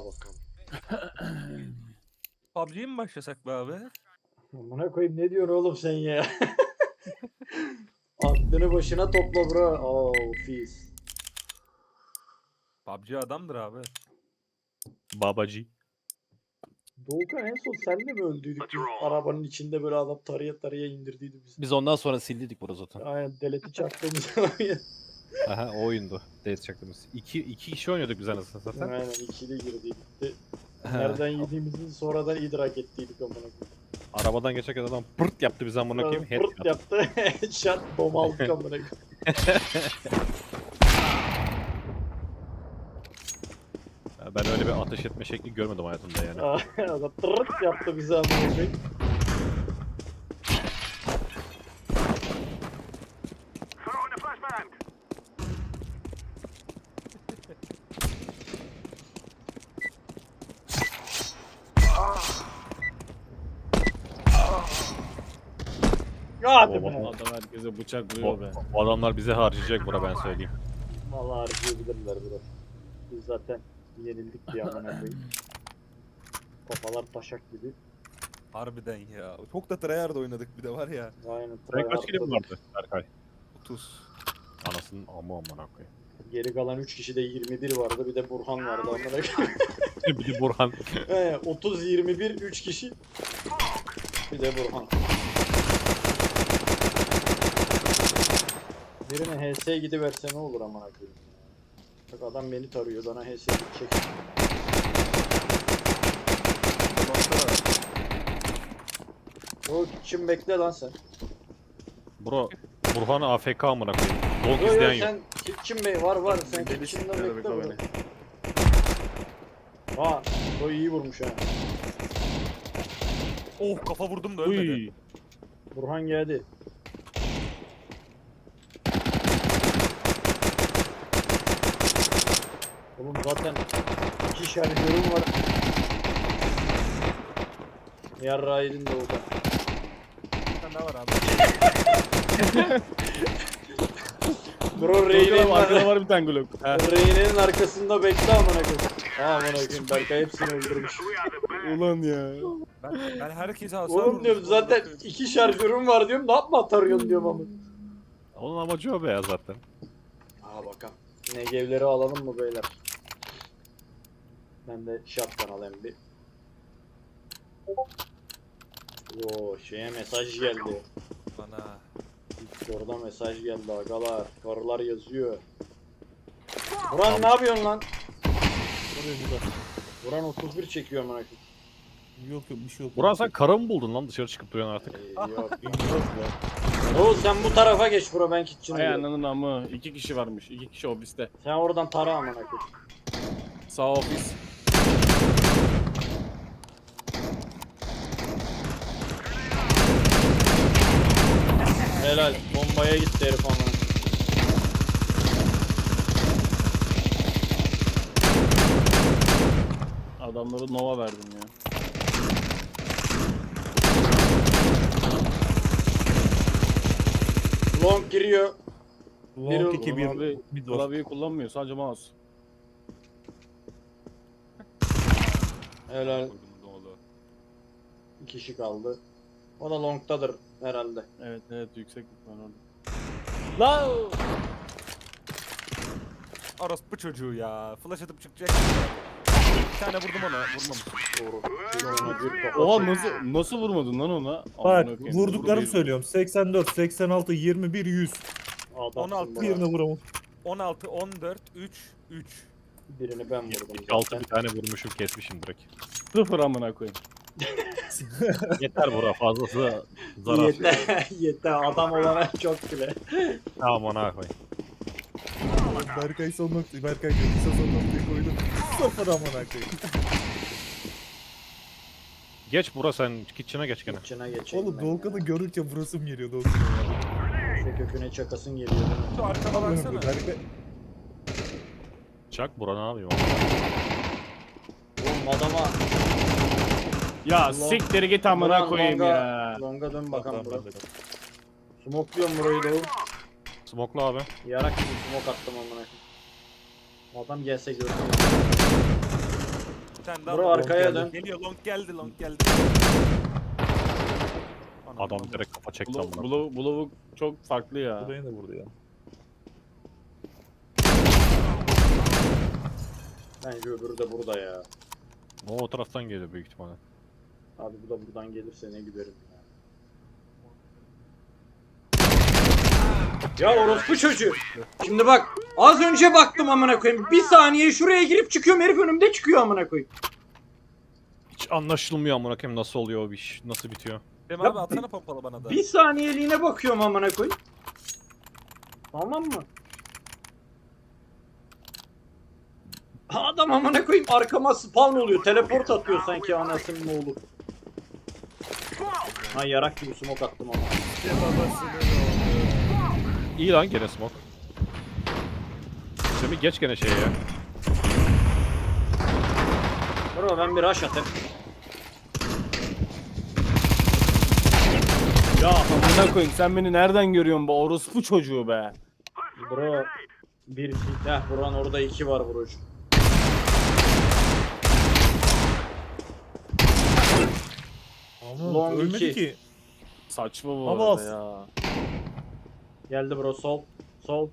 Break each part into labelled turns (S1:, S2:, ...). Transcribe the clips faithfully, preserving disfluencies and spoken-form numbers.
S1: bakalım.
S2: P U B G'ye mi başlasak be abi?
S1: Amına koyayım, ne diyorsun oğlum sen ya? Aklını başına topla bro. Oo, fis.
S2: P U B G adamdır abi.
S3: Babacı.
S1: Doğukan, en son senle mi öldüydük biz? Arabanın içinde böyle adam taraya taraya indirdiydi bizi.
S3: Biz ondan sonra sildik bunu zaten.
S1: Aynen, deleti çaktığımız oyun.
S3: Aha, o oyundu. Date çaktığımız. İki, iki kişi oynuyorduk biz anasını zaten.
S1: Aynen, ikili girdiydik de.
S3: Ha.
S1: Nereden yediğimizi sonradan idrak ettiydik amına koyayım.
S3: Arabadan geçerken adam pırt yaptı bize amına koyayım.
S1: Pırt
S3: Headshot.
S1: yaptı. Shot bomb aldık amına koyayım.
S3: Ya ben öyle bir ateş etme şekli görmedim hayatımda yani.
S1: Adam tırırt yaptı bize amına koyayım. Hadi
S3: O,
S1: be.
S4: Adam herkese bıçak
S3: o,
S4: vuruyor be.
S3: o adamlar bize harcayacak bura ben söyleyeyim.
S1: Vallahi harcayabilirler bro. Biz zaten yenildik diye amına koyayım. Kafalar taşak gibi.
S2: Harbiden ya. Çok da tryhard oynadık bir de var ya.
S1: Aynen.
S3: Sen kaç kilim
S1: tryhard'da.
S3: vardı Berkay?
S2: otuz.
S3: Anasının amı amına koyayım.
S1: Geri kalan üç kişide yirmi bir vardı. Bir de Burhan vardı amına koyayım.
S3: Bir de Burhan.
S1: He, otuz yirmi bir üç kişi. Bir de Burhan. Birine H S'ye gidiverse ne olur amına koyayım. Bak adam beni tarıyor, bana H S'ye gidecek. O kim, bekle lan sen.
S3: Bro, Burhan A F K amına koyayım. Long
S1: Yo
S3: izleyen
S1: yo,
S3: yok.
S1: sen Kitchen Bey var var, sen
S2: Deli
S1: Kitchen'da
S2: siktir
S1: bekle
S2: be
S1: bro.
S2: beni.
S1: Ha, o iyi vurmuş ha.
S2: Oh, kafa vurdum da ölmedi.
S4: Uy.
S1: Burhan geldi. Oğlum zaten iki şarjörüm var. Yarrağı yedin de oldu.
S2: Bir tane daha var abi.
S1: Bro,
S4: Arkada
S1: Reyne'nin
S4: var, arkada
S1: ar-
S4: var bir tane Glock. Ha.
S1: Reyne'nin arkasında bekle amına koyayım. Ha amına koyayım, Berkay hepsini öldürmüş.
S4: Ulan ya.
S2: Ben, ben herkese hasar
S1: Oğlum diyorum,
S2: vurmuşum.
S1: zaten iki şarjörüm var diyorum, ne yapma atarıyorsun diyorum ama.
S3: Onun amacı o be ya zaten.
S1: Aa bakalım. Negevleri alalım mı beyler? Ben de shotgun alayım bir. Oo, şeye mesaj geldi.
S2: Bana.
S1: Orada mesaj geldi agalar. Karılar yazıyor. Buran ne yapıyorsun lan? Buran otuz bir çekiyor amına koyayım.
S4: Yok yok bir şey yok.
S3: Burhan sen karı mı buldun lan dışarı çıkıp duruyorsun artık?
S1: Ee, yok. Oğuz sen bu tarafa geç bro, ben kitchen'a
S4: Ay
S1: gidiyorum.
S4: ananın amı. İki kişi varmış. İki kişi ofiste.
S1: Sen oradan tara amına koyayım.
S4: Sağ ofis.
S1: Helal, bombaya gitti herif amına.
S4: Adamları Nova verdim ya.
S1: Long giriyor. Biri-
S4: Long iki bir. Abi klavyeyi kullanmıyor. Sadece mouse.
S1: Helal,
S2: Koydum ne oldu?
S1: bir kişi kaldı. O da longtadır herhalde.
S4: Evet evet yüksek var orada. La!
S2: Orospu çocuğu ya. Flash atıp çıkacak. Bir tane vurdum ona. Vurmamış.
S1: Doğru. Ona bir kafa
S4: Oha
S1: çek-
S4: nasıl nasıl vurmadın lan ona?
S5: Bak
S4: Amına koyayım.
S5: vurduklarımı
S4: Vurdu
S5: söylüyorum. seksen dört, seksen altı, yirmi bir, yüz.
S1: Adamsın
S2: on altı
S1: bro.
S5: Birine vuramam.
S2: on altı, on dört, üç, üç.
S1: Birini ben vurdum
S3: Altı
S1: zaten.
S3: bir tane vurmuşum kesmişim direkt.
S4: Sıfır amına koyayım.
S3: Yeter bura fazlası zarar.
S1: Yeter, yeter. Adam olana çok bile.
S3: Tamam ona koy.
S5: Berkay son noktayı, Berkay diyor. Kısa son noktayı koydum. Sıfır amına koyayım.
S3: Geç bura sen kitchen'a geç gene.
S1: İçine geçeyim
S5: Oğlum
S1: ben
S5: Doğukan'ı
S1: ya.
S5: görürken vurasım geliyor Doğukan'a ya.
S1: Şu köküne çakasın geliyor. değil mi?
S2: Şu arkama
S5: Amına
S2: baksana.
S5: koyayım, Berkay.
S3: Çak bura ne yapayım?
S1: Oğlum adama
S4: Ya
S1: Allah.
S4: siktir git amına
S1: Ulan
S4: koyayım
S1: longa-
S4: ya.
S1: longa dön bakalım bro.
S5: Tamam, ben de-
S1: Smokluyorum burayı da.
S3: Smokla abi.
S1: Yarak gibi smoke attım amına koyayım. Adam gelse görsün.
S2: Sen de
S1: Bro
S2: al.
S1: arkaya dön.
S2: Geliyor long geldi long geldi. Anam,
S3: Adam
S2: anam.
S3: direkt kafa çekti
S4: Blow,
S3: amına.
S4: blow, blow çok farklı ya.
S5: Buraya da vurdu ya.
S1: Bence öbürü de burada ya.
S3: O o taraftan geliyor büyük ihtimalle.
S1: Abi bu da buradan gelirse ne gülerim ya. Ya orospu çocuğu. Şimdi bak az önce baktım amına koyayım. Bir saniye şuraya girip çıkıyorum herif önümde çıkıyor amına koyayım.
S3: Hiç anlaşılmıyor amına koyayım nasıl oluyor o iş, nasıl bitiyor.
S2: Dem
S1: Ya
S2: abi atsana pompalı bana da.
S1: Bir saniyeliğine bakıyorum amına koyayım. Tamam mı? Adam amına koyayım arkama spawn oluyor. Teleport atıyor sanki anasının oğlu. Ha yarak gibi smoke attım ama.
S3: İyi lan gene smoke. Semih geç gene şeye ya.
S1: Bro ben bir rush atayım.
S4: Ya amına koyayım sen beni nereden görüyorsun bu orospu çocuğu be?
S1: Bro bir heh buran orada iki var vuruş.
S5: Ama
S1: Long
S5: ölmedi
S1: iki.
S5: ki.
S4: Saçma bu
S5: Ama
S4: arada
S5: az.
S4: ya.
S1: Geldi bro sol. Sol.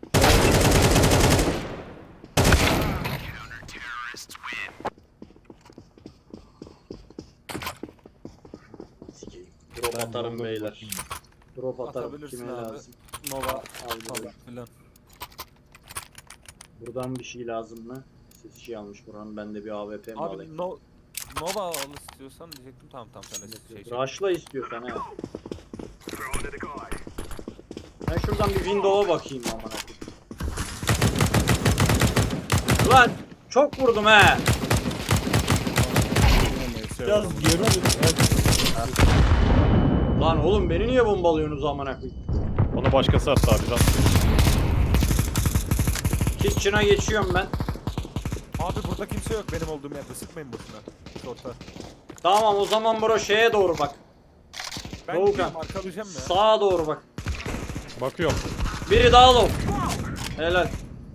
S1: Sikeyim. Drop
S5: Ben
S1: atarım
S5: long'a bir
S1: beyler.
S5: bakayım.
S1: Drop atarım
S2: Atabilirsin
S1: kime
S2: abi.
S1: lazım.
S2: Nova
S1: Al
S2: falan
S1: bro.
S2: filan.
S1: Buradan bir şey lazım mı? Ses şey almış buranın ben de bir A W P mi alayım?
S2: Abi no Nova al istiyorsan diyecektim tamam tamam sen de şey şey.
S1: Rush'la istiyorsan he. Ben şuradan bir window'a bakayım amına koyayım. Ulan çok vurdum he.
S5: Biraz yarı
S1: Lan oğlum beni niye bombalıyorsunuz amına koyayım?
S3: Onu başkası attı abi lan.
S1: Kitchen'a geçiyorum ben.
S2: Abi burada kimse yok benim olduğum yerde sıkmayın boşuna. Short'a.
S1: Tamam o zaman bro şeye doğru bak.
S2: Ben
S1: Doğukan.
S2: gidiyorum arkalayacağım ya.
S1: Sağa doğru bak.
S3: Bakıyorum.
S1: Biri daha low. Helal.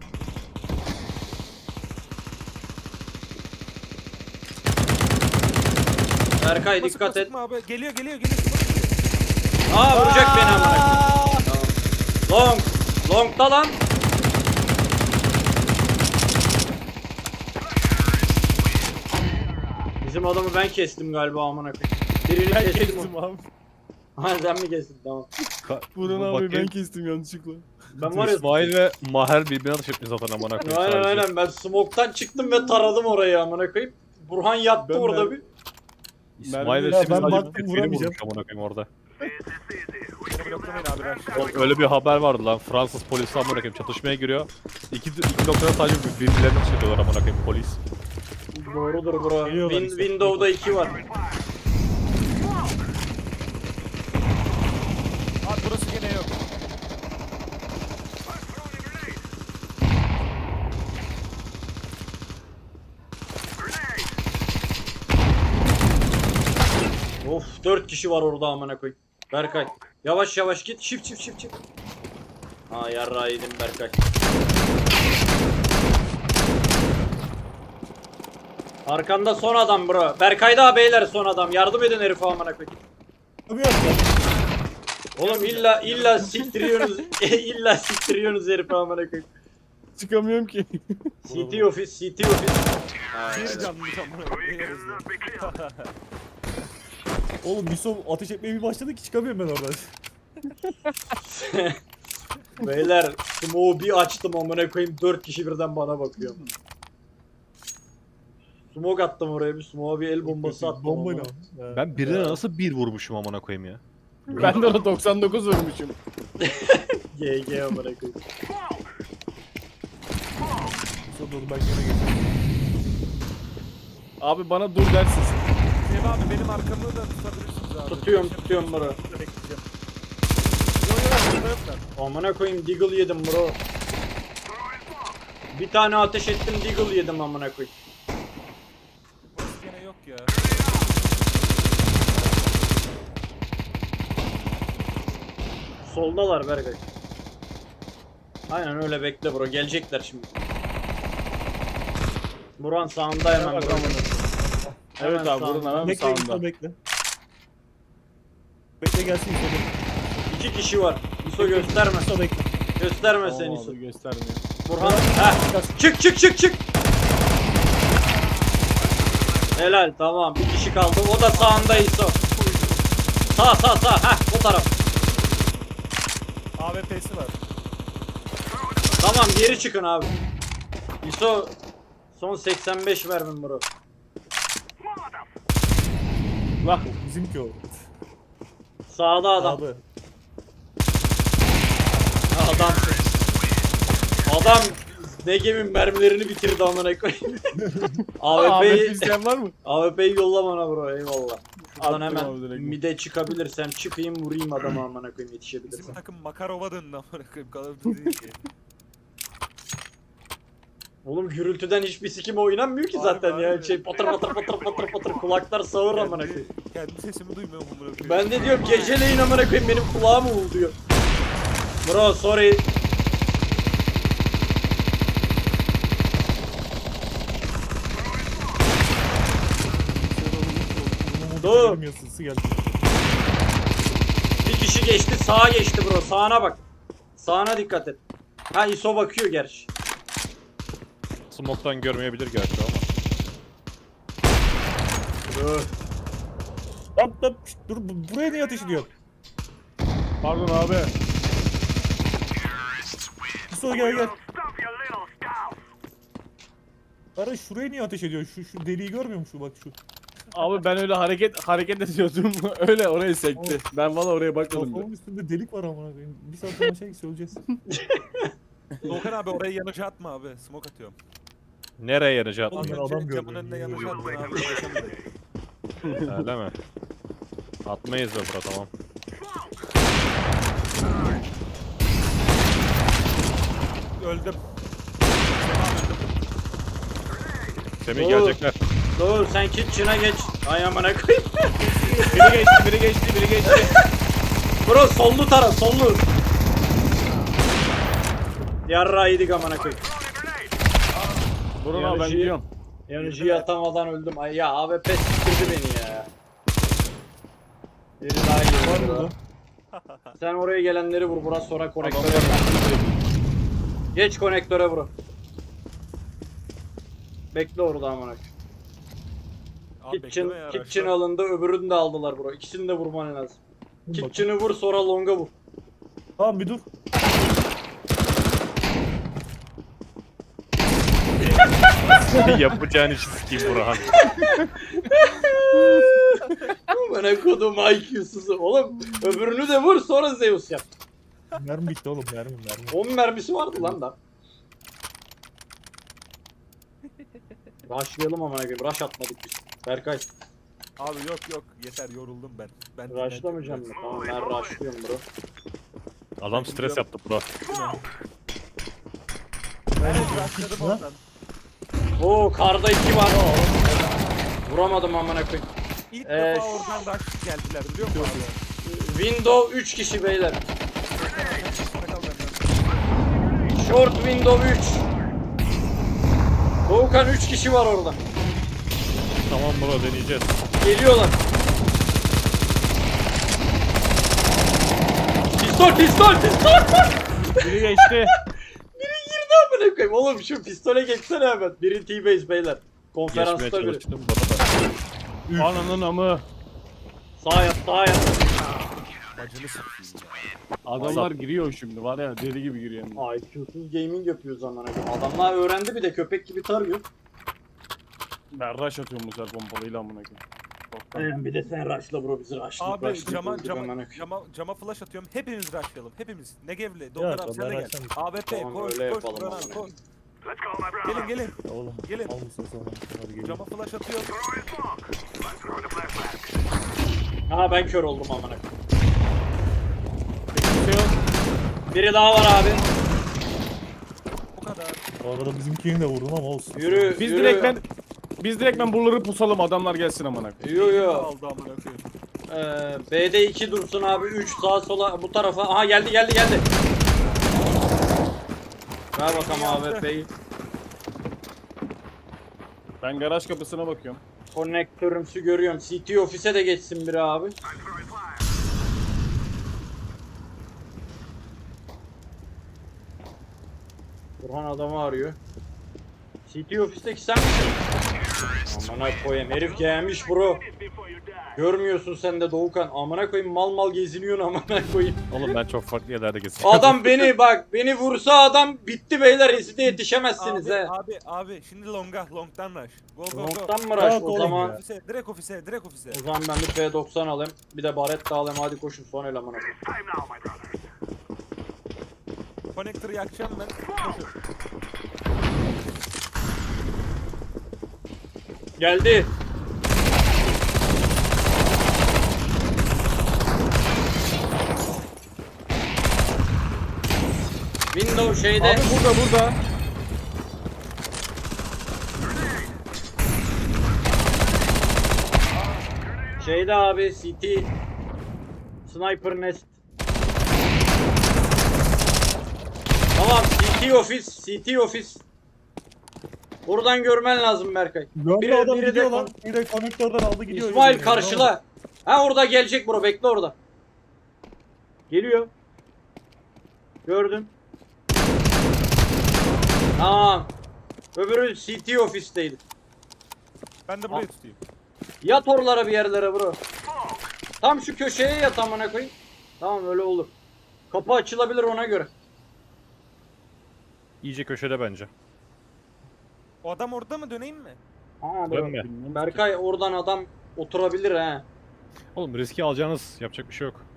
S1: Berkay
S2: Sıkma,
S1: dikkat
S2: sıkma,
S1: et.
S2: sıkma abi. Geliyor geliyor geliyor. Sıkma.
S1: Aa vuracak beni amına koyayım. Tamam. Long. Long'da lan. Bizim adamı ben kestim galiba amına koyayım. Birini
S4: Ben
S1: kestim.
S4: kestim abi.
S1: Ha sen mi kestin tamam.
S3: Ka-
S4: Burhan
S3: Bu
S4: abi ben
S3: bakayım.
S4: kestim yanlışlıkla.
S1: Ben var ya.
S3: İsmail ve Maher birbirine atış etmiş zaten amına koyayım.
S1: Aynen
S3: sadece.
S1: aynen ben smoke'tan çıktım ve taradım orayı amına koyayım. Burhan yattı
S4: Ben-
S1: orada
S4: ben-
S1: bir.
S3: İsmail ve
S4: Ya
S3: Semih
S5: ben
S3: sadece
S5: baktım,
S3: tepkini
S5: vuramayacağım.
S3: vurmuş amına koyayım orada.
S2: Beni bloklamayın abi ben.
S3: Oğlum öyle bir haber vardı lan. Fransız polisi amına koyayım çatışmaya giriyor. İki, iki noktada sadece birbirlerine atış ediyorlar amına koyayım polis.
S1: Doğrudur bro.
S5: Geliyorlar
S1: Win,
S5: işte.
S1: Windows'da iki var.
S2: Abi burası gene yok.
S1: Of dört kişi var orada amına koy. Berkay. Yavaş yavaş git. Shift shift shift shift. Ha yarrağı yedim Berkay. Arkanda son adam bro. Berkay daha beyler son adam. Yardım edin herife amına koy.
S5: Abi yok ya.
S1: Oğlum illa illa siktiriyorsunuz. illa siktiriyorsunuz herife amına koy.
S4: Çıkamıyorum ki.
S1: C T ofis, C T ofis.
S2: Bir canlı canlı. Yeriz lan.
S5: Oğlum Yusuf ateş etmeye bir başladı ki çıkamıyorum ben oradan.
S1: Beyler smoke'u bir açtım amına koyayım dört kişi birden bana bakıyor. Smoke attım oraya bir smoke'a bir el bombası attım.
S5: Bombayla.
S1: amına.
S3: Ben birine nasıl bir vurmuşum amına koyayım ya.
S4: Ben de ona doksan dokuz vurmuşum.
S1: G G amına koyayım.
S5: Yusuf dur ben yana geçeyim.
S4: Abi bana dur dersin.
S2: Sev abi benim arkamı da tutabilirsiniz abi.
S1: Tutuyorum, tutuyorum bro.
S2: Burada bekleyeceğim. Yok yok burada yoklar.
S1: Amına koyayım deagle yedim bro. Bir tane ateş ettim deagle yedim amına koyayım.
S2: Burası gene yok ya.
S1: Soldalar Berkay. Aynen öyle bekle bro gelecekler şimdi. Buran sağında hemen.
S4: Bak
S1: Buran.
S4: amına. Evet
S1: Hemen
S4: abi buradan
S1: sağında.
S4: hemen
S5: Bekle
S4: sağında.
S5: İso bekle. Bekle gelsin İso bekle.
S1: İki kişi var. İso gösterme.
S5: İso bekle.
S1: Gösterme
S4: Tamam
S1: sen
S4: abi,
S1: İso.
S4: göstermiyor.
S1: Burhan. Heh. Çık çık çık çık. Helal tamam. Bir kişi kaldı. O da sağında İso. Sağ sağ sağ. Heh o taraf.
S2: A W P'si var.
S1: Tamam geri çıkın abi. İso son seksen beş vermin bro.
S4: Lah.
S5: Bizimki o.
S1: Sağda adam.
S5: Abi.
S1: Adam. Adam Negem'in mermilerini bitirdi amına koyayım.
S4: Ahmet
S1: A W P'yi
S4: isteyen var mı?
S1: A W P'yi yolla bana bro eyvallah. Şuradan
S4: Attım
S1: hemen
S4: abi direkt.
S1: mide çıkabilirsem çıkayım vurayım adamı amına koyayım yetişebilirsem.
S2: Bizim takım Makarova döndü amına koyayım. Call of Duty değil ki.
S1: Oğlum gürültüden hiçbir sikim oynanmıyor ki
S2: Harbi,
S1: zaten ya.
S2: harbi.
S1: Şey patır patır patır patır patır kulaklar sağır amına
S2: Kendi,
S1: koyayım.
S2: kendi sesimi duymuyorum amına koyayım.
S1: Ben de diyorum geceleyin amına koyayım benim kulağım uğulduyor. Bro sorry. Dur.
S5: Görmüyorsun, ısı geldi.
S1: Bir kişi geçti sağa geçti bro sağına bak. Sağına dikkat et. Ha ISO bakıyor gerçi.
S3: Smoke'tan görmeyebilir gerçi ama.
S1: Dur.
S5: Lan lan şşt, dur bu- buraya niye ateş ediyor?
S4: Pardon abi.
S5: İso gel gel. Ara şuraya niye ateş ediyor? Şu şu deliği görmüyor musun bak şu.
S4: Abi ben öyle hareket hareket ediyordum. Öyle oraya sekti. Ben valla oraya bakmadım.
S5: Kafamın üstünde delik var amına koyayım. Bir saat sonra şey söyleyeceğiz.
S2: Doğukan abi oraya yanıcı atma abi. Smoke atıyorum.
S3: Nereye yanacak?
S5: Oğlum,
S2: Az
S5: ben
S2: önce
S5: adam
S2: camın
S5: gördüm.
S2: önüne yanıcı attın abi. ulaşamadım.
S3: Öyle mi? Atmayız be bura tamam.
S2: Öldüm.
S3: Semih
S1: Oo.
S3: gelecekler.
S1: Dur sen kitchen'a geç. Ay amına koyayım.
S4: Biri geçti, biri geçti, biri geçti.
S1: Bro sollu taraf sollu. Yarra yedik amına koyayım.
S4: Burun abi ben
S1: Yanıcı-
S4: gidiyorum.
S1: Yanıcıyı atamadan öldüm. Ay ya A W P siktirdi beni ya. Biri daha
S5: Var
S1: geliyor.
S5: mı
S1: bro. Sen oraya gelenleri vur burası sonra konektöre.
S4: Adamlar-
S1: Geç konektöre bro. Bekle orada amına koyayım.
S2: Abi
S1: Kitchen,
S2: bekleme ya.
S1: kitchen
S2: Raşla.
S1: alındı öbürünü de aldılar bro. İkisini de vurman lazım.
S5: Dur
S1: Kitchen'ı vur sonra longa vur.
S5: Tamam bir dur.
S3: Yapacağın işi sikeyim Burhan.
S1: Bana kodum I Q'suzu. Oğlum öbürünü de vur sonra Zeus yap.
S5: Mermi bitti oğlum mermi mermi.
S1: on mermisi vardı lan da. Rushlayalım amına koyayım. Rush atmadık biz. Berkay.
S2: Abi yok yok yeter yoruldum ben. Ben
S1: Rushlamayacağım mı? Tamam ben rushlıyorum bro.
S3: Adam stres yaptı bro.
S2: Ben rushladım oradan.
S1: Oo karda iki var. Vuramadım amına koyayım.
S2: İlk
S1: Ee,
S2: defa oradan rush geldiler biliyor musun abi?
S1: Window üç kişi beyler.
S2: Sakal benden.
S1: Short window üç. Doğukan üç kişi var orada.
S3: Tamam bro deneyeceğiz.
S1: Geliyorlar. Pistol pistol pistol.
S4: Biri geçti.
S1: Biri girdi amına koyayım. Oğlum şu pistole geçsene hemen. Biri T-base beyler.
S3: Geçmeye
S1: Konferansta biri.
S3: çalıştım bana da.
S4: Ananın amı.
S1: Sağ yap sağ yap.
S2: Bacını sikeyim ya.
S4: Adamlar giriyor şimdi var ya deli gibi giriyor. hem de.
S1: I Q'suz gaming yapıyoruz amına koyayım. Adamlar öğrendi bir de köpek gibi tarıyor.
S4: Ben rush atıyorum bu sefer pompalıyla amına koyayım.
S1: Bir de sen rushla bro bizi rushla.
S2: Abi cama cama cama cama flash atıyorum. Hepimiz rushlayalım. Hepimiz. Negevli, Doğukan abi sen de
S5: ben
S2: gel.
S5: rushlayayım.
S2: A W P
S1: Tamam,
S2: koş
S1: öyle
S2: koş
S1: yapalım
S2: Burhan
S1: abi.
S2: koş. Gelin gelin.
S5: Ya oğlum.
S2: Gelin.
S5: Al mısın sonra? Hadi gelin.
S2: Cama flash atıyorum.
S1: Ha ben kör oldum amına koyayım.
S4: Bir şey yok.
S1: Biri daha var abi.
S2: Bu kadar.
S5: Bu arada bizimkini de vurdum ama olsun.
S1: Yürü.
S4: Biz
S1: yürü.
S4: direkt ben biz direkt ben buraları pusalım adamlar gelsin amına koyayım.
S1: Yo yo.
S2: Aldı amına koyayım.
S1: Ee, B'de iki dursun abi. üç sağa sola bu tarafa. Aha geldi geldi geldi. Ver bakalım A W P'yi.
S4: Ben garaj kapısına bakıyorum.
S1: Konnektörümsü görüyorum. C T ofise de geçsin biri abi. Burhan adamı arıyor. C T ofisteki sen misin? Amına koyayım herif gelmiş bro. Görmüyorsun sen de Doğukan. Amına koyayım mal mal geziniyorsun amına koyayım.
S3: Oğlum ben çok farklı yerlerde geziyorum.
S1: Adam beni bak beni vursa adam bitti beyler reside yetişemezsiniz
S2: Abi,
S1: he.
S2: abi, abi, şimdi longa, long'dan rush. Go, go, go.
S1: Long'dan mı
S5: Rahat
S1: rush o
S5: olun
S1: zaman?
S5: ya.
S2: Ofise, direkt ofise, direkt ofise.
S1: O zaman ben bir P doksan alayım. Bir de baret de alayım hadi koşun son el amına koyayım.
S2: Connector'ı yakacağım ben. Koşun.
S1: Geldi. Windows şeyde.
S4: Abi burada burada.
S1: Şeyde abi C T. Sniper Nest. Tamam C T ofis, C T ofis. Buradan görmen lazım Berkay.
S5: Gördü
S1: Biri-
S5: adam
S1: biri de
S5: gidiyor
S1: kon-
S5: lan. Bir de konektörden aldı gidiyor.
S1: İsmail
S5: Yürüyor,
S1: karşıla. Ha orada gelecek bro bekle orada. Geliyor. Gördüm. Tamam. Öbürü C T ofisteydi.
S2: Ben de burayı tutayım.
S1: Yat oralara bir yerlere bro. Tam şu köşeye yat amına koyayım. Tamam öyle olur. Kapı açılabilir ona göre.
S3: İyice köşede bence.
S2: O adam orada mı, döneyim mi?
S1: Aa,
S3: Dönme.
S1: bro. Berkay oradan adam oturabilir he.
S3: Oğlum riski alacağınız yapacak bir şey yok.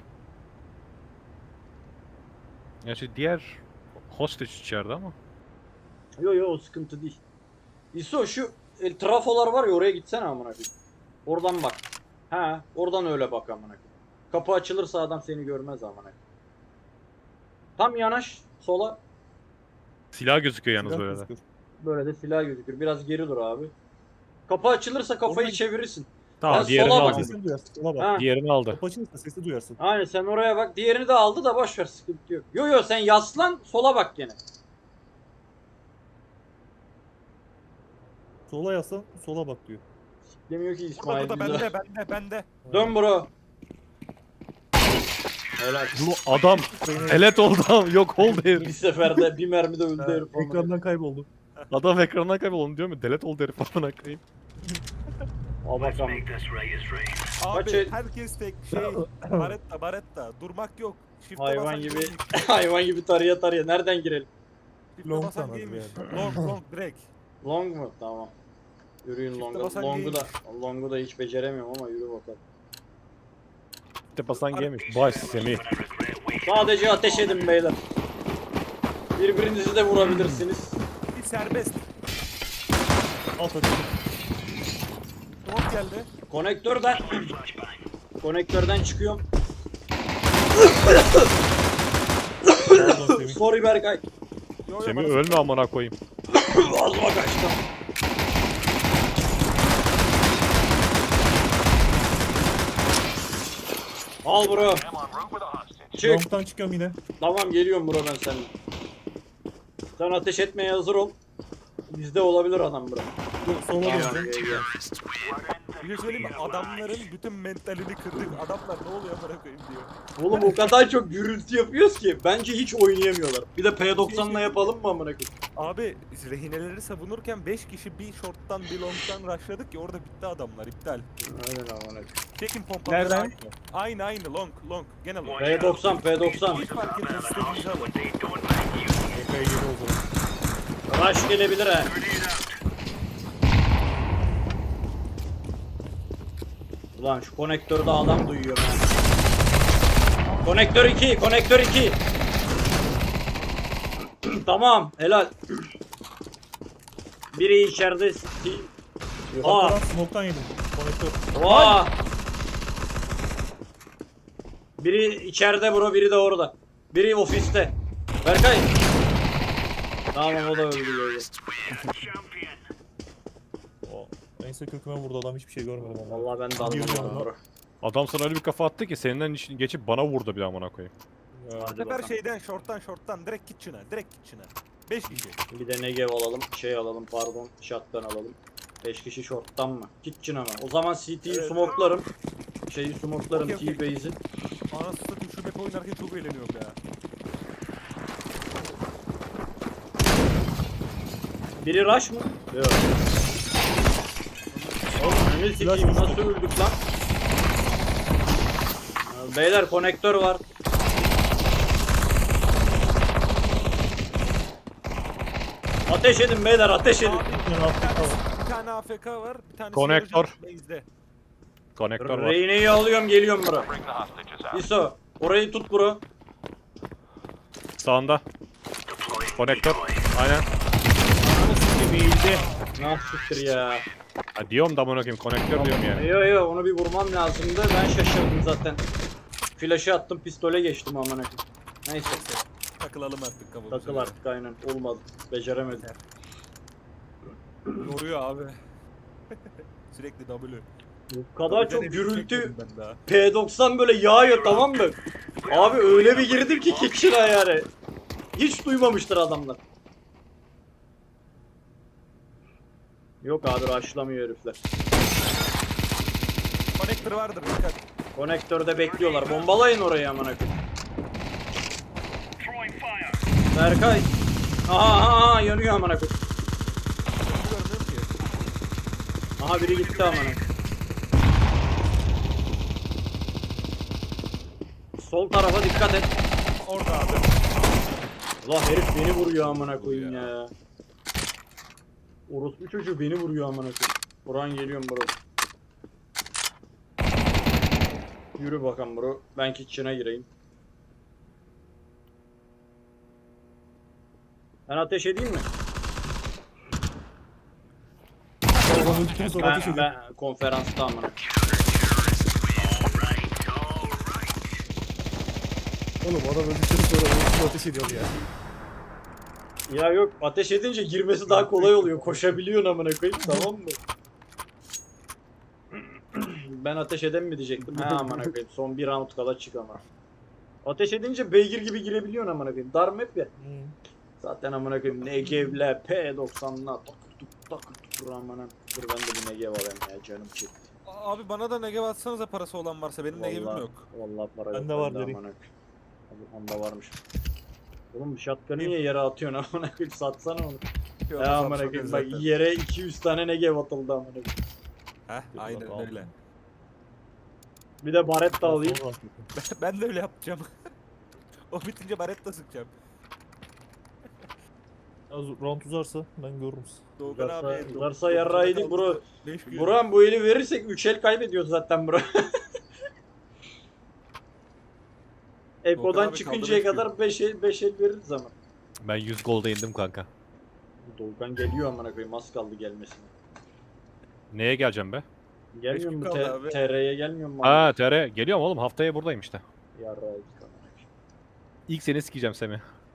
S3: Gerçi diğer hostage içeride ama.
S1: Yo yo o sıkıntı değil. İso şu el, trafolar var ya oraya gitsene amına koyayım. Oradan bak. He oradan öyle bak amına koyayım. Kapı açılırsa adam seni görmez amına koyayım. Tam yanaş sola.
S3: Silah gözüküyor yalnız
S5: Silah
S3: böyle de.
S5: gözüküyor.
S1: Böyle de silah gözükür. Biraz geri dur abi. Kapı açılırsa kafayı
S5: Oradan-
S1: çevirirsin.
S3: Tamam
S1: Ben
S3: diğerini
S1: sola bak.
S3: aldı.
S5: Sesini duyarsın. Sola bak.
S1: Ha.
S3: Diğerini aldı.
S5: Kapı açılırsa sesi duyarsın.
S1: Aynen sen oraya bak. Diğerini de aldı da boş ver sıkıntı yok. Yo yo sen yaslan sola bak gene.
S5: Sola yaslan, sola bak diyor.
S1: Demiyor ki
S2: Burada,
S1: İsmail.
S2: burada,
S1: bize.
S2: bende, bende, bende.
S1: Dön bro. Helal.
S3: Bu adam elet oldu ama yok oldu
S1: Bir
S3: herif.
S1: seferde bir mermide öldü herif. amına koyayım.
S5: Ekrandan kayboldu.
S3: Adam ekrandan kayboldu onu diyor mu? Delet oldu herif amına koyayım.
S1: Al bakalım.
S2: Abi
S1: Kaç el-
S2: herkes tek şey, baretta, baretta. Durmak yok. Shift'e
S1: Hayvan
S2: basan
S1: gibi
S2: gaymiş.
S1: hayvan gibi tarıya tarıya. Nereden girelim?
S2: Shift'e
S5: Long
S2: basan
S5: sanırım
S2: gaymiş.
S5: yani.
S2: Long, long, direkt.
S1: Long mu? Tamam. Yürüyün
S2: Shift'e
S1: longa.
S2: basan
S1: Long'u da
S2: gaymiş.
S1: Long'u da hiç beceremiyorum ama yürü bakalım.
S3: İşte basan gelmiş. Baş Semih.
S1: Sadece ateş edin beyler. Birbirinizi de vurabilirsiniz.
S2: Bir serbest.
S5: Alt açıldı.
S2: Drop geldi.
S1: Konektörden Konektörden çıkıyorum.
S5: Pardon Semih.
S1: Sorry Berkay.
S2: Yo, yo,
S3: Semih
S2: bana-
S3: ölme amına koyayım.
S1: Ağzıma kaçtı. Al bro. Çık.
S5: Long'dan çıkıyorum yine.
S1: Tamam geliyorum bro ben seninle. Sen ateş etmeye hazır ol. Bizde olabilir adam bro.
S5: Dur, sola
S1: Tamam,
S5: döneceğim.
S1: gel, gel.
S2: Bir şey söyleyeyim mi? Adamların bütün mentalini kırdık. Adamlar ne oluyor bana koyayım diyor.
S1: Oğlum o kadar çok gürültü yapıyoruz ki bence hiç oynayamıyorlar. Bir de P doksanla yapalım mı amına koyayım?
S2: Abi rehineleri savunurken beş kişi bir short'tan bir long'dan rushladık ya orada bitti adamlar iptal.
S1: Aynen amına koyayım.
S2: Çekin pompaları.
S5: Nereden?
S2: Aynı. Aynı aynı long long gene long.
S1: P doksan P doksan.
S2: Hiç fark etmez istediğinizi alın.
S5: Epey yeni oldu.
S1: Rush gelebilir ha. Ulan şu konektörde adam duyuyor ben. Konektör iki, konektör iki. Tamam, helal. Biri içeride. Aa.
S5: Arkadan smoke'tan yedim. Konektör.
S1: Aa. Biri içeride bro, biri de orada. Biri ofiste. Berkay. Tamam o da öldü böyle.
S5: O, neyse köküme vurdu adam hiçbir şey görmedim ama.
S1: Vallahi ben de
S5: Girmiyorum
S1: anlamadım
S5: lan.
S1: bro.
S3: Adam sana öyle bir kafa attı ki senden için geçip bana vurdu bir amına koyayım.
S5: Ya,
S1: Hadi
S2: Bu sefer
S1: bakalım.
S2: şeyden short'tan short'tan direkt kitchen'a direkt kitchen'a. beş kişi.
S1: Bir de Negev alalım, şey alalım pardon, shotgun alalım. beş kişi short'tan mı? Kitchen ama. O zaman C T'yi
S2: Evet.
S1: smoklarım. Şeyi smoklarım
S2: Okey, okey.
S1: T-base'i.
S2: Anasını satayım şu map oynarken çok eğleniyorum ya.
S1: Biri rush mı? Yok. Oğlum ne sikeyim nasıl öldük lan? Ya beyler konektör var. Ateş edin beyler ateş edin.
S2: Abi bir tane, bir tane A F K var, bir tane
S3: Konektör.
S2: base'de.
S3: Konektör var.
S1: Reyne'yi alıyorum geliyorum bro. İso orayı tut bro.
S3: Sağında. Konektör. Aynen.
S4: Eğildi.
S1: Nasıl siktir ya.
S3: Ha, diyorum da amına koyayım konektör diyorum yani.
S1: Yo yo onu bir vurmam lazımdı. Ben şaşırdım zaten. Flash'ı attım pistole geçtim amına koyayım. Neyse
S2: Takılalım artık kafamıza.
S1: takıl artık aynen olmadı. Beceremedim.
S2: Yoruyor abi. Sürekli W.
S1: Bu kadar çok
S2: Tabii
S1: gürültü
S2: çekmedim ben daha.
S1: P doksan böyle yağıyor tamam mı? Abi öyle bir girdim ki kitchen'a yani. Hiç duymamıştır adamlar. Yok abi rushlamıyor herifler.
S2: Connector vardır dikkat.
S1: Konektörde bekliyorlar. Bombalayın orayı amına koyayım. Berkay. Aha aha aha yanıyor amına koyayım.
S2: Bunu görmüyorum ki.
S1: Aha biri gitti amına koyayım. Sol tarafa dikkat et.
S2: Orada abi.
S1: Allah herif beni vuruyor amına koyayım ya. Orospu çocuğu beni vuruyor amına koyayım. Buran geliyorum bro. Yürü bakalım bro. Ben kitchen'a gireyim. Ben ateş edeyim mi?
S5: Adam öldükten sonra ateş
S1: Ben,
S5: ediyor.
S1: ben konferansta amına.
S5: Oğlum adam öldükten sonra öldükten ateş ediyor ya.
S1: Ya yok ateş edince girmesi daha kolay oluyor. Koşabiliyorsun amına koyayım tamam mı? Ben ateş eden mi diyecektim? Ha amına koyayım. Son bir round kala çık ama. Ateş edince beygir gibi girebiliyorsun amına koyayım. Dar map ya. Zaten amına koyayım Negev'le P doksan'la takır tuk takır tukur amına. Dur ben de bir Negev alayım ya canım çekti.
S2: Abi bana da Negev atsanıza parası olan varsa benim Negev'im
S1: Vallahi-
S2: yok.
S1: Vallahi para
S5: Bende
S1: yok.
S5: var
S1: bende
S5: vereyim.
S1: amına koyayım. Onda varmış. Oğlum shotgun'ı niye yere atıyorsun amına koyayım satsana onu.
S2: Yok,
S1: Ya amına
S2: satmak
S1: koyayım
S2: zaten.
S1: bak yere iki yüz tane Negev atıldı amına koyayım.
S2: Heh aynen
S5: Yok,
S2: öyle.
S1: Bir de baret de alayım.
S5: Sonra-
S2: Ben de öyle yapacağım. O bitince baretta sıkacağım.
S5: Az round uzarsa ben görürüm sizi.
S2: Doğukan
S1: Uzarsa,
S2: abi.
S1: uzarsa yarrağıydı bro.
S2: beş gün.
S1: Buran bu eli verirsek üç el kaybediyoruz zaten bro. Eko'dan
S2: abi
S1: çıkıncaya
S2: kaldı beş
S1: kadar beş el, beş el veririz ama.
S3: Ben yüz golda indim kanka.
S1: Doğukan geliyor amına koyayım az kaldı gelmesine.
S3: Neye geleceğim be?
S1: Gelmiyor
S2: gün
S1: mu?
S2: kaldı
S1: T-
S2: abi.
S1: T R'ye gelmiyor mu?
S3: Ha T R geliyorum oğlum haftaya buradayım işte.
S1: Yarrağıydı amına
S3: İlk seni sikeceğim Semih.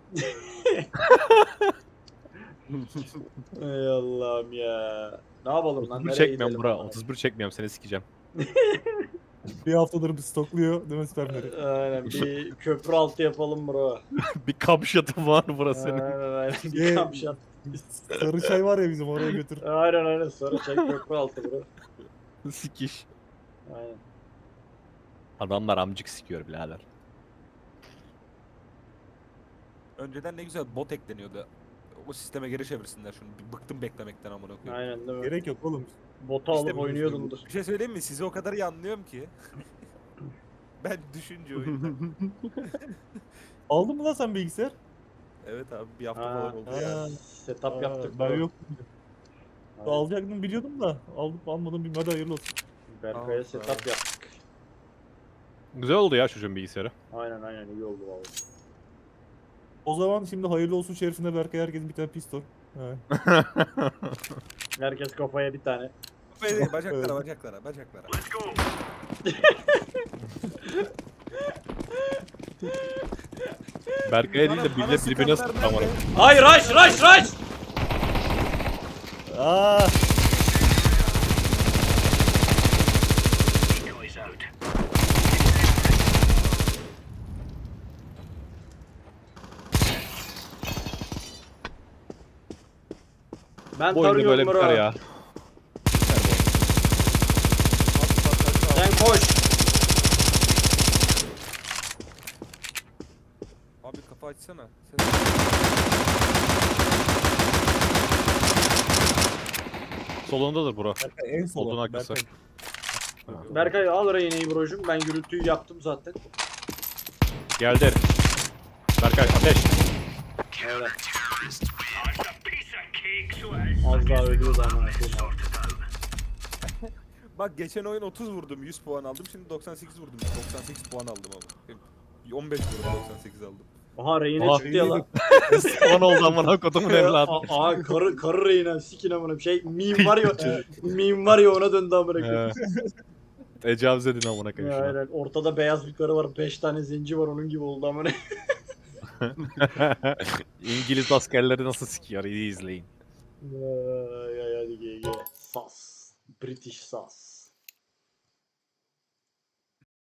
S1: koyayım. Ey Allah'ım ya. Ne yapalım lan?
S3: otuz bir
S1: Nereye
S3: çekmiyorum
S1: gidelim?
S3: bura.
S1: amına
S3: otuz bir çekmiyorum seni sikeceğim.
S5: Bir haftadır bir stokluyor değil mi spermleri?
S1: koyayım? Aynen bir köprü altı yapalım bro.
S3: bir kamşatım var burası senin.
S1: Aynen aynen. Bir
S5: Ye-
S1: kamp şat.
S5: Sarı çay var ya bizim oraya götür.
S1: Aynen aynen sonra çek köprü altı bro.
S3: Sikiş.
S1: Aynen.
S3: Adamlar amcık sikiyor birader.
S2: Önceden ne güzel bot ekleniyordu. O sisteme geri çevirsinler şunu. Bir bıktım beklemekten amına koyayım.
S1: Aynen değil mi?
S5: Gerek yok oğlum.
S1: Botu alıp
S2: İşte bu-
S1: oynuyordumdur.
S2: Bir şey söyleyeyim mi? Sizi o kadar iyi anlıyorum ki. Ben düşünce oyunu.
S5: Aldın mı lan sen bilgisayar?
S2: Evet abi bir hafta
S1: Ha,
S2: falan oldu ya.
S5: Ha,
S1: Setup
S5: aa,
S1: yaptık.
S5: Ben
S1: bro.
S5: yok.
S1: Aynen.
S5: Alacaktım biliyordum da aldım almadım bilmem hadi hayırlı olsun.
S1: Berkay'a
S2: Al,
S1: setup
S2: al.
S1: yaptık.
S3: Güzel oldu ya çocuğun bilgisayarı.
S1: Aynen aynen iyi oldu valla.
S5: O zaman şimdi hayırlı olsun şerifine Berkay herkesin bir tane pistol. He.
S1: Herkes kafaya bir tane.
S2: Böyle bacaklara bacaklara bacaklara.
S3: Berkay'a değil de
S2: Bana- bana
S3: millet birbirine
S2: sıkanlar
S3: sıktı amına.
S2: nerede?
S1: Hayır rush rush rush!
S5: Aa,
S1: Ben
S3: Bu oyunda
S1: tarıyorum
S3: böyle
S1: bro.
S3: biter ya.
S2: açsana. Ses.
S3: Solundadır bura.
S5: Berkay en sola.
S3: Odun arkası.
S5: Berkay.
S1: Berkay al Reyne'yi brocum. Ben gürültüyü yaptım zaten.
S3: Geldi herif. Berkay ateş.
S1: Öyle. Az daha ölüyordu amına koyayım.
S2: Bak geçen oyun otuz vurdum, yüz puan aldım. Şimdi doksan sekiz vurdum. doksan sekiz puan aldım ama. on beş vurdum, doksan sekiz aldım.
S1: Aha Reyne
S3: Aha,
S1: çıktı ya lan.
S3: Spawn oldu amına kodumun evladı.
S1: Aa, aa karı, karı Reyne sikin amına şey meme var ya meme var ya ona döndü amına koyayım.
S3: He. Tecavüz edin amına koyayım
S1: Ya,
S3: şuna.
S1: aynen. Ortada beyaz bir karı var. Beş tane zenci var onun gibi oldu amına.
S3: İngiliz askerleri nasıl sikiyor iyi izleyin.
S1: Ay ay hadi gel gel. Sas. British sas.